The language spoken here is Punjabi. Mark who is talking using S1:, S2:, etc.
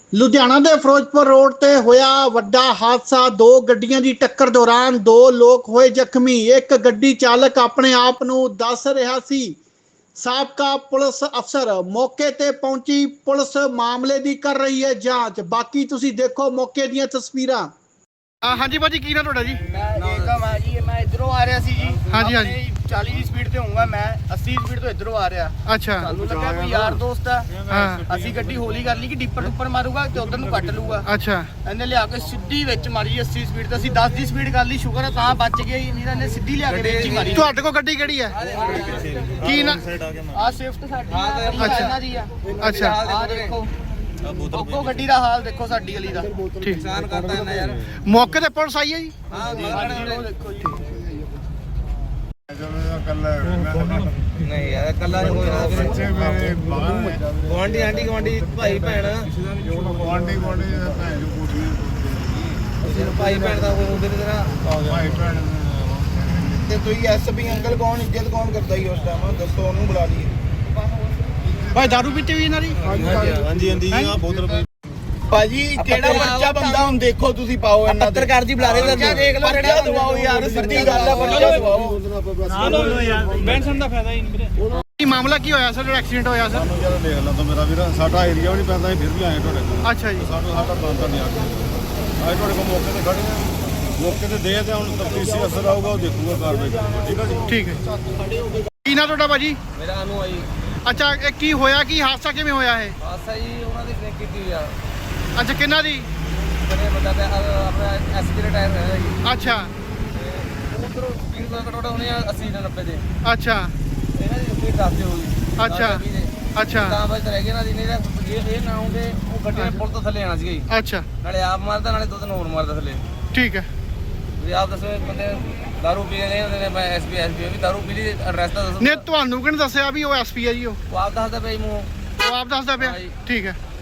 S1: ਲੁਧਿਆਣਾ ਦੇ ਫਿਰੋਜ਼ਪੁਰ ਰੋਡ ਤੇ ਹੋਇਆ ਵੱਡਾ ਹਾਦਸਾ। ਦੋ ਗੱਡੀਆਂ ਦੀ ਟੱਕਰ ਦੌਰਾਨ ਦੋ ਲੋਕ ਹੋਏ ਜ਼ਖਮੀ। ਇੱਕ ਗੱਡੀ ਚਾਲਕ ਆਪਣੇ ਆਪ ਨੂੰ ਦੱਸ ਰਿਹਾ ਸੀ ਸਾਬਕਾ ਪੁਲਿਸ ਅਫਸਰ। ਮੌਕੇ ਤੇ ਪਹੁੰਚੀ ਪੁਲਿਸ ਮਾਮਲੇ ਦੀ ਕਰ ਰਹੀ ਹੈ ਜਾਂਚ। ਬਾਕੀ ਤੁਸੀਂ ਦੇਖੋ ਮੌਕੇ ਦੀਆਂ ਤਸਵੀਰਾਂ। ਹਾਂਜੀ ਭਾਜੀ, ਕੀ ਨਾਮ ਤੁਹਾਡਾ ਜੀ?
S2: ਮੈਂ ਜੀ ਮੈਂ ਇਧਰੋਂ ਆ ਰਿਹਾ ਸੀ ਜੀ।
S1: ਹਾਂਜੀ, ਹਾਂਜੀ।
S2: 40 ਦੀ ਸਪੀਡ ਤੇ ਹੋਊਗਾ, ਮੈਂ 80 ਦੀ ਸਪੀਡ ਤੋਂ ਇਧਰੋਂ ਆ ਰਿਹਾ।
S1: ਅੱਛਾ।
S2: ਸਾਨੂੰ ਲੱਗਾ ਕੋਈ ਯਾਰ ਦੋਸਤ ਆ।
S1: ਹਾਂ।
S2: ਅਸੀਂ ਗੱਡੀ ਹੌਲੀ ਕਰ ਲਈ ਕਿ ਡਿੱਪਰ ਉੱਪਰ ਮਾਰੂਗਾ ਤੇ ਉਧਰ ਨੂੰ ਕੱਟ ਲੂਗਾ।
S1: ਅੱਛਾ।
S2: ਇਹਨੇ ਲਿਆ ਕੇ ਸਿੱਧੀ ਵਿੱਚ ਮਾਰੀ 80 ਸਪੀਡ ਤੇ। ਅਸੀਂ 10 ਦੀ ਸਪੀਡ ਕਰ ਲਈ, ਸ਼ੁਕਰ ਹੈ ਤਾਂ ਬਚ ਗਏ, ਨਹੀਂ ਤਾਂ ਇਹਨੇ ਸਿੱਧੀ ਲਿਆ ਕੇ ਵਿੱਚ ਹੀ ਮਾਰੀ।
S1: ਤੁਹਾਡੇ ਕੋਲ ਗੱਡੀ ਕਿਹੜੀ ਹੈ? ਕੀ ਨਾ?
S2: ਆ ਸਵਿਫਟ ਸਾਡੀ ਆ, ਇਹਨਾਂ ਦੀ ਆ।
S1: ਅੱਛਾ।
S2: ਆ ਦੇਖੋ ਅੱਗੋਂ ਗੱਡੀ ਦਾ ਹਾਲ ਦੇਖੋ, ਸਾਡੀ ਗਲੀ ਦਾ।
S1: ਠੀਕ।
S2: ਨੁਕਸਾਨ ਕਰਦਾ ਇਹਨਾਂ ਯਾਰ।
S1: ਮੌਕੇ ਤੇ ਪੁਲਿਸ ਆਈ ਹੈ ਜੀ?
S2: ਹਾਂ ਦੇਖੋ ਜੀ।
S3: ਨਹੀਂ ਯਾਰ ਕੱਲਾ ਨਹੀਂ ਕੋਈ ਨਾ ਗਵਾਂਢੀ ਆਂਟੀ ਗਵਾਂਢੀ ਭਾਈ ਭੈਣ ਭਾਈ ਭੈਣ ਦਾ ਕੋਈ ਉਹਦੇ ਤਰ੍ਹਾਂ
S2: ਤੇ ਤੁਸੀਂ ਐਸਪੀ ਅੰਕਲ ਕੌਣ ਇੱਜ਼ਤ ਕੌਣ ਕਰਦਾ ਹੀ ਉਸ ਟਾਈਮ? ਦੱਸੋ ਉਹਨੂੰ ਬੁਲਾ ਲਈਏ।
S1: ਭਾਈ ਦਾਰੂ ਪੀਤੀ ਵੀ ਇਹਨਾਂ ਦੀ?
S3: ਹਾਂਜੀ ਹਾਂਜੀ ਆ ਬੋਤਲ
S2: ਭਾਜੀ ਕਿਹੜਾ ਬੱਚਾ ਬੰਦਾ ਹੁਣ ਦੇਖੋ ਤੁਸੀਂ ਪਾਓ ਇਹਨਾਂ ਦੇ।
S3: ਪੱਤਰਕਾਰ ਜੀ ਬੁਲਾ ਰਹੇ
S2: ਬੱਚਾ ਦੇਖ ਲਓ, ਕਿਹੜਾ ਦਵਾਓ ਯਾਰ, ਸਿੱਧੀ ਗੱਲ ਆ, ਬੱਚਾ ਦਵਾਓ।
S4: ਨਾ ਲੋ ਯਾਰ, ਬੈਂਸਨ ਦਾ ਫਾਇਦਾ ਹੀ ਨਹੀਂ ਵੀਰੇ।
S1: ਕੀ ਮਾਮਲਾ ਕੀ ਹੋਇਆ ਸਰ ਜਿਹੜਾ ਐਕਸੀਡੈਂਟ ਹੋਇਆ ਸਰ?
S5: ਸਾਨੂੰ ਜਰਾ ਦੇਖ ਲਾ ਤਾਂ ਮੇਰਾ ਵੀਰ, ਸਾਡਾ ਏਰੀਆ ਵੀ ਨਹੀਂ ਪੈਂਦਾ, ਫਿਰ ਵੀ ਆਏ ਤੁਹਾਡੇ ਕੋਲ।
S1: ਅੱਛਾ ਜੀ।
S5: ਸਾਡਾ ਬੰਦਾ ਨਹੀਂ ਆ ਗਿਆ। ਅੱਜ ਤੁਹਾਡੇ ਕੋਲ ਮੌਕੇ ਤੇ ਖੜੇ ਆ, ਮੌਕੇ ਤੇ ਦੇ ਤੇ ਹੁਣ ਤਫਤੀਸ਼ੀ ਅਫਸਰ ਆਊਗਾ, ਉਹ ਦੇਖੂਗਾ ਕਾਰਵਾਈ ਕਰੂਗਾ। ਠੀਕ ਆ ਜੀ?
S1: ਠੀਕ ਹੈ। ਕੀ ਨਾ ਤੁਹਾਡਾ ਭਾਜੀ?
S3: ਮੇਰਾ ਅਨੂ ਆਈ
S1: ਅੱਛਾ, ਇਹ ਕੀ ਹੋਇਆ? ਕੀ ਹਾਦਸਾ ਕਿਵੇਂ ਹੋਇਆ ਇਹ?
S3: ਆਸਾ ਜੀ ਉਹਨਾਂ ਦੀ ਬ੍ਰੇਕ ਕੀਤੀ ਆ
S1: ਅੱਛਾ, ਕਿੰਨਾ ਦੀ?
S3: ਬੜੇ ਬੰਦਾ ਤੇ ਆਪਣਾ ਐਸਪੀ ਦਾ ਟਾਇਰ ਹੈ ਜੀ।
S1: ਅੱਛਾ।
S3: ਉਧਰੋਂ ਸਪੀਡ ਦਾ ਘਟੋੜਾ ਹੋਣੀ ਆ 80 ਨਾਲ 90 ਦੇ।
S1: ਅੱਛਾ।
S3: ਇਹਨਾਂ ਦੀ ਸਪੀਡ 10 ਤੇ ਹੋਈ।
S1: ਅੱਛਾ। ਅੱਛਾ।
S3: ਤਾਂ ਬਸ ਰਹਿ ਗਏ ਨਾ ਜੀ, ਨਹੀਂ ਤਾਂ ਇਹ ਨਾ ਹੁੰਦੇ ਉਹ ਗੱਡੀ ਨੇ ਪੁਲ ਤੋਂ ਥੱਲੇ ਆਣਾ ਸੀਗਾ ਜੀ।
S1: ਅੱਛਾ।
S3: ਨਾਲੇ ਆਪ ਮਾਰਦਾ, ਨਾਲੇ ਦੋ ਤਿੰਨ ਹੋਰ ਮਾਰਦਾ ਥੱਲੇ।
S1: ਠੀਕ ਹੈ।
S3: ਤੁਸੀਂ ਆਪ ਦੱਸੋ, ਬੰਦੇ ਦਾਰੂ ਪੀ ਰਹੇ ਹੁੰਦੇ ਨੇ। ਮੈਂ ਐਸਪੀ ਵੀ ਦਾਰੂ ਪੀ ਲਈ, ਐਡਰੈਸ ਤਾਂ ਦੱਸੋ।
S1: ਨੇ ਤੁਹਾਨੂੰ ਕਿਹਨੇ ਦੱਸਿਆ ਵੀ ਉਹ ਐਸਪੀ ਹੈ ਜੀ? ਉਹ
S3: ਉਹ ਆਪ ਦੱਸਦਾ ਪਿਆ ਜੀ ਮੂੰਹ।
S1: ਆਪ ਦੱਸਦਾ ਪਿਆ?
S3: ਹਾਂ ਜੀ।
S1: ਠੀਕ ਹੈ।